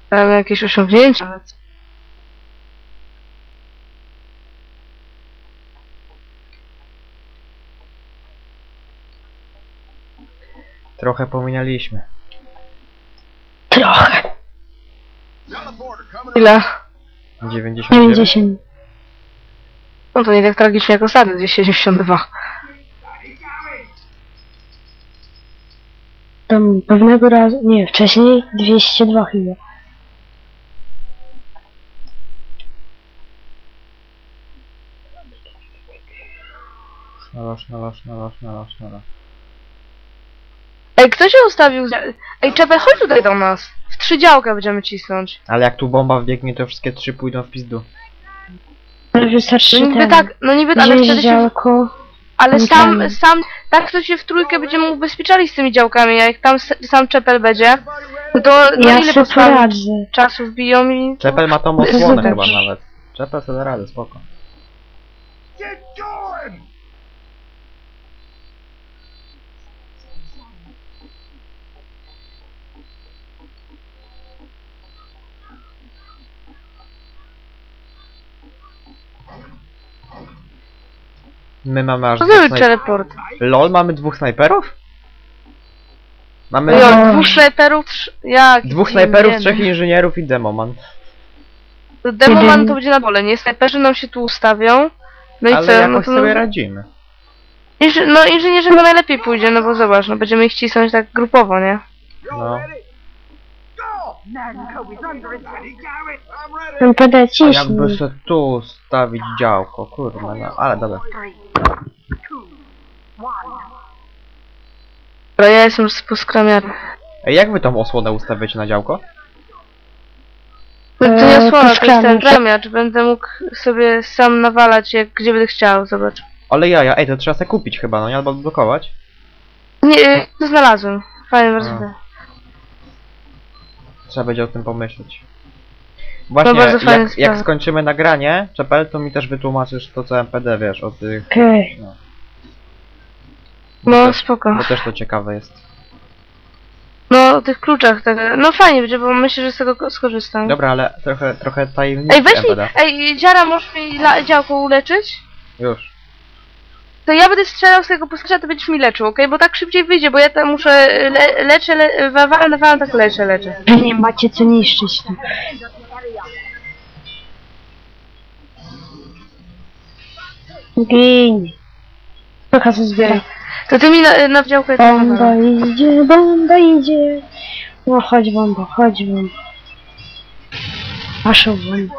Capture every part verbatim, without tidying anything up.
Tam jakieś osiągnięcia. Trochę pominęliśmy. Trochę. Ile? dziewięćdziesiąt dziewięć? dziewięćdziesiąt. No to nie tak tragicznie jak ostatnio, dwieście siedemdziesiąt dwa. Tam pewnego razu, nie, wcześniej dwieście dwa chyba. Naloż, naloż, naloż, naloż, naloż. Ej, kto się ustawił? za- Ej, Czepel, chodź tutaj do nas. W trzy działka będziemy cisnąć. Ale jak tu bomba wbiegnie, to wszystkie trzy pójdą w pizdu. Ale wystarczy No niby ten. tak, no niby, ale Wziąć wtedy się... działko. Ale tam sam, ten. sam, tak to się w trójkę będziemy ubezpieczali z tymi działkami, a jak tam s- sam Czepel będzie, no to no Ja ile sobie postawić poradzę. czasu wbiją i... Czepel ma tą osłonę chyba Zobacz. nawet. Czepel sobie da radę, spoko. My mamy aż Co dwóch za snajperów. teleport? LOL, mamy dwóch snajperów? Mamy Jo, dwóch, dwóch snajperów, trz... jak? dwóch snajperów, Nie, trzech inżynierów i demoman. no. Demoman to będzie na dole, nie? Snajperzy nam się tu ustawią. No i Ale co? jakoś No, to, sobie radzimy. inży... no inżynierzy chyba najlepiej pójdzie, no bo zobacz, no będziemy ich cisnąć tak grupowo, nie? No. Ten P D A jakby ciśnij. se tu stawić działko, kurwa, no, ale dobra. Dobra, ja jestem już poskramiany. Ej, jak wy tą osłonę ustawiacie na działko? No to Eee, nie osłona, to jest ten poskramiacz. gramiacz. Będę mógł sobie sam nawalać, jak gdzie będę chciał, zobacz. Ale jaja, ej, to trzeba se kupić chyba, no nie? Albo blokować. Nie, to znalazłem. Fajnie, bardzo A. fajnie. Trzeba będzie o tym pomyśleć. Właśnie, bardzo fajna jak, jak sprawa. skończymy nagranie, Czepel, to mi też wytłumaczysz to co M P D, wiesz, o tych... Okej. No. Bo, No, też, spoko. bo też to ciekawe jest. No, o tych kluczach, tak. No fajnie będzie, bo myślę, że z tego ko- skorzystam. Dobra, ale trochę, trochę tajemnicy Ej, weź mi, M P D. ej, Dziara, możesz mi la- działko uleczyć? Już. To ja będę strzelał z tego poskarza, to będziesz mi leczył, okej? Bo tak szybciej wyjdzie, bo ja tam muszę, le leczę, le walam, walam, tak leczę, leczę. Nie macie co niszczyć tu. Gin. Trochę co zbiera. To ty mi na, na działko Bomba idzie, bomba idzie. No chodź bomba, chodź bomba. Wasza bomba.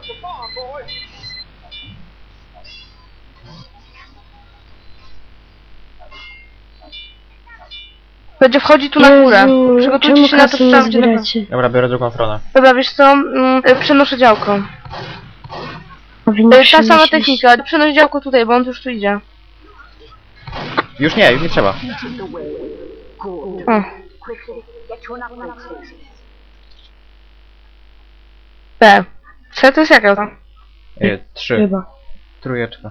Będzie wchodzi tu na górę. Jezu, Przygotujcie czemu się na to, kasy że nie tam będzie na... zbieracie? Dobra, biorę drugą stronę. Dobra, wiesz co? Mm, y, przenoszę działko. Powinno Y, Ta sama przynosić. technika, przenoś działko tutaj, bo on już tu idzie. Już nie, już nie trzeba. O. B. C to jest jaka to? E, trzy. Chyba. Trójeczka.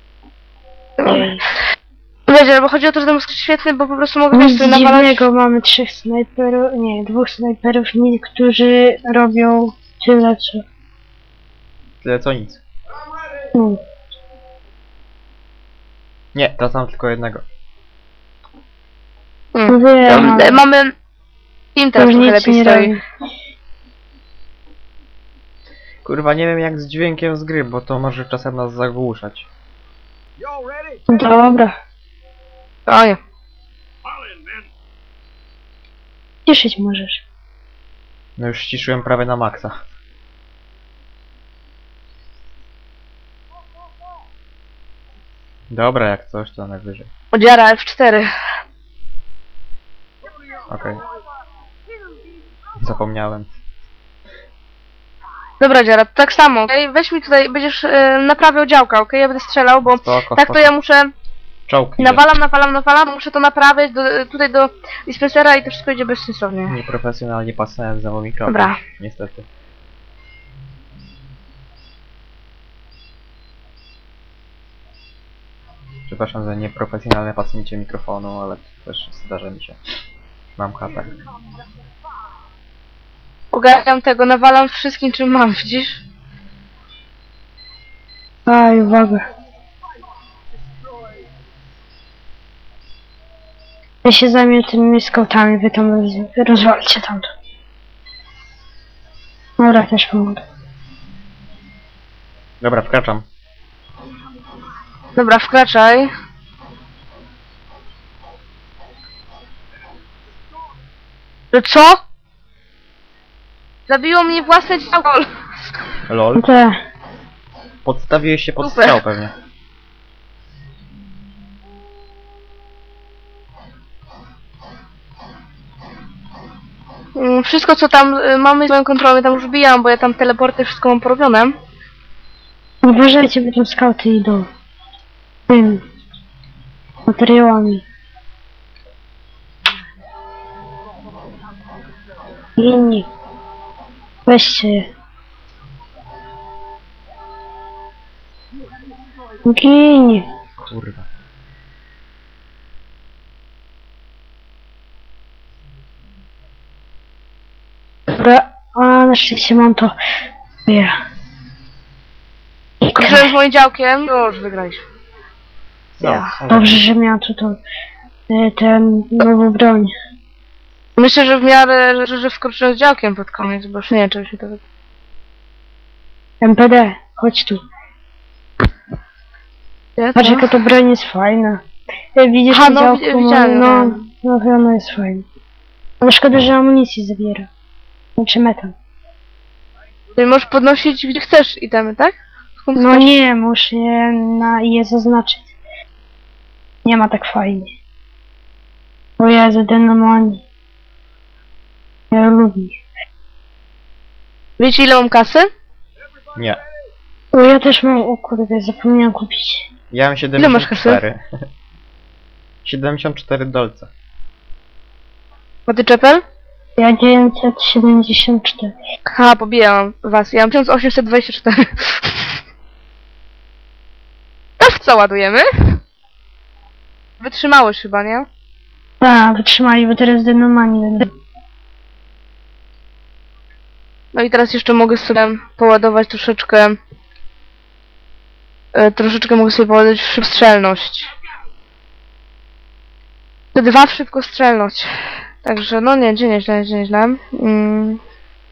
Wiecie, bo chodzi o to, że ten mózg jest świetny, bo po prostu mogę Nic wiesz, sobie nawalać... dziwnego, mamy trzech snajperów, nie, dwóch snajperów, niektórzy robią tyle co... Tyle co nic. No. Nie, to sam tylko jednego. Mm. Wiem, Y, Mamy... Im teraz już trochę nic lepiej nie stoi. robi. Kurwa, nie wiem jak z dźwiękiem z gry, bo to może czasem nas zagłuszać. Dobra, O nie. cieszyć możesz. No już ściszyłem prawie na maksa. Dobra, jak coś to najwyżej. Odziara F cztery. Okej. Zapomniałem. Dobra, Dziara, to tak samo, okej? Weź mi tutaj, będziesz y, naprawiał działka, okej? Ja będę strzelał, bo Spoko, tak to spoko. ja muszę... Czołg idzie. Nawalam, nawalam, nawalam, muszę to naprawiać do, tutaj do dispensera i to wszystko idzie bezsensownie. Nieprofesjonalnie pasnąłem za mikrofon. Dobra. Niestety. Przepraszam za nieprofesjonalne pasnięcie mikrofonu, ale to też zdarza mi się. Mam katar. Ogarniam tego, nawalam wszystkim czym mam, widzisz? Aj, uwaga. Ja się zajmę tymi skautami, wy tam roz, rozwalcie tamto. Dobra, też pomogę. Dobra, wkraczam. Dobra, wkraczaj. No co? Zabiło mnie własne działko. Lol. Te, Podstawiłeś się pod Super. strzał pewnie. Mm, Wszystko co tam y, mamy swoją kontrolę, tam już bijam, bo ja tam teleporty wszystko mam porobione. uważajcie, bo tam skauty idą. Tym. Materiałami. Inni. Weźcie je. Gini. Kurwa. Dobra, a na szczęście mam to. Ja. Kończyłem z moim działkiem. No już wygraliśmy. No, Ja. ale- Dobrze, że miałem tu to, e, ten nową broń. Myślę, że w miarę, że, że wkroczyłem z działkiem pod koniec, bo już nie wiem, czy się to... M P D, chodź tu. Ja Patrz to? jaka to broń jest fajna. E, Widzisz Aha, to no, działko? wi- widziałem, No, no. no, no, ono jest fajne. Ale szkoda, że amunicji zabiera. Znaczy metal. Ty możesz podnosić gdzie chcesz itemy, tak? Skąd No chcesz? nie, muszę je, na, je zaznaczyć. Nie ma tak fajnie. O Jezu, denomani. Ja lubię. Wiecie ile mam kasy? Nie. O, ja też mam, o kurde, zapomniałem kupić. Ja mam masz siedemdziesiąt kasy? cztery. siedemdziesiąt cztery dolce. A ty czepel? Ja dziewięćset siedemdziesiąt cztery. Ha, pobijam was. Ja mam tysiąc osiemset dwadzieścia cztery. To w co ładujemy? Wytrzymałeś chyba, nie? Tak, wytrzymali, bo teraz denomani będą. No i teraz jeszcze mogę sobie poładować troszeczkę... E, troszeczkę mogę sobie poładować w szybkostrzelność. Te dwa w szybkostrzelność. Także no nie, dzień nieźle, dzień nieźle. Mm.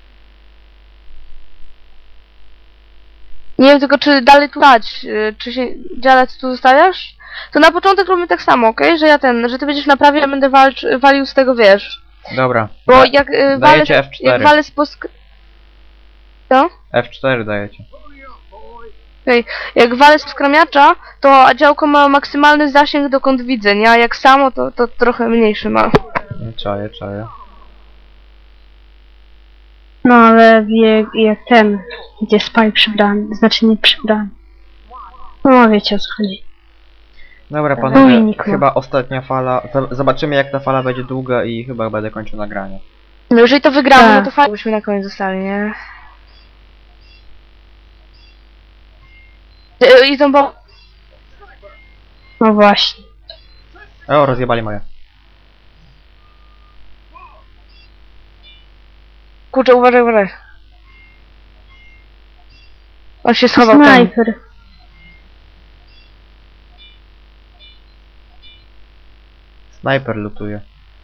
Nie wiem tylko czy dalej tu dać, y, czy się dzielać tu zostawiasz? To na początek robimy tak samo, okej? Że ja ten, że ty będziesz naprawiał, ja będę walcz, walił z tego, wiesz. Dobra. Bo Da- jak y, walę, dajecie F jak cztery. walę z posk... Co? F cztery dajecie. Jak walę z skramiacza, to działko ma maksymalny zasięg dokąd widzę, nie? A jak samo, to, to trochę mniejszy ma. Czaję, czaję. No ale jak, jak ten, gdzie spaj przybrany, znaczy nie przybrany. No wiecie o co chodzi. Dobra No panowie, i Niko. chyba ostatnia fala. Z- Zobaczymy jak ta fala będzie długa i chyba będę kończył nagranie. No jeżeli to wygramy, Tak. no to fajnie byśmy na koniec zostali, nie? Y, I to bo... No właśnie. O, rozjebali moje. Kurczę, uważaj, uważaj. On się schował tam. Snajper. Snajper lutuje.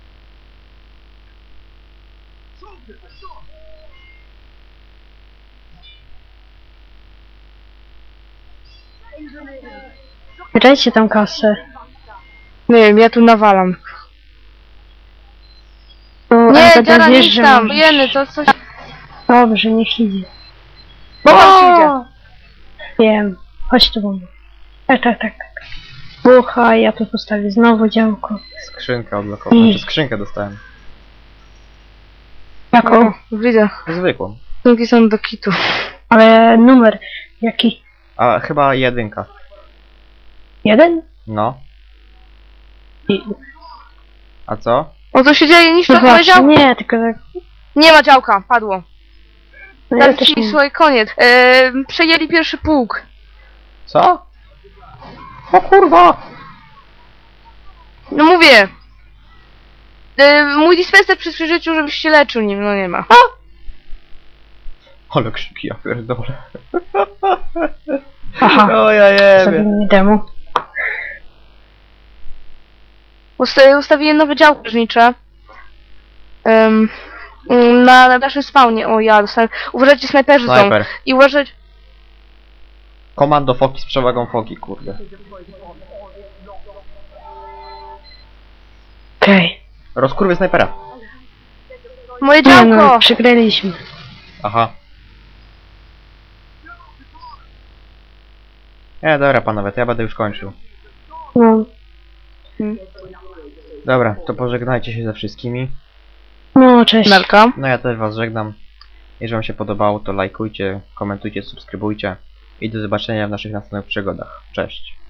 Dajcie tam kasę. Nie wiem, ja tu nawalam. No, Nie, M P D dziara, nie wiesz, idź że tam, możesz. jeny, to coś... Dobrze, niech idzie. Bo on ci idzie. Wiem. Chodź tu, bombo. Tak, tak, tak. tak. Bucha, ja tu postawię znowu działko. Skrzynkę odblokowałem. I- Znaczy skrzynkę dostałem. Jaką? O, widzę. Zwykłą. Skrzynki są do kitu. Ale numer. Jaki? A chyba jedynka. Jeden? No. I... A co? O, co się dzieje? Niszczą No moje właśnie, działko. nie, tylko tak. Nie ma działka, padło. No ja Teraz też ci, nie. słuchaj, koniec. Eee, przejęli pierwszy pułk. Co? O kurwa! No mówię. Eee, mój dispenser przy życiu, żebyś się leczył nim, no nie ma. Ale krzyki, ja pierdolę. Aha, O ja jebie. zrobimy demo. Usta ustawiłem nowe działko strażnicze. Um, na, na naszym spawnie. O ja dostałem. Uważajcie, snajperzy są. Snajper. I uważać. Komando foki z przewagą foki, kurde. Okej. Rozkurwy snajpera. Moje Nie działko! no, przegraliśmy. Aha. E, dobra panowie, to ja będę już kończył. No, Dobra, to pożegnajcie się ze wszystkimi. no cześć. Melka. No ja też was żegnam. Jeżeli wam się podobało, to lajkujcie, komentujcie, subskrybujcie. I do zobaczenia w naszych następnych przygodach. Cześć.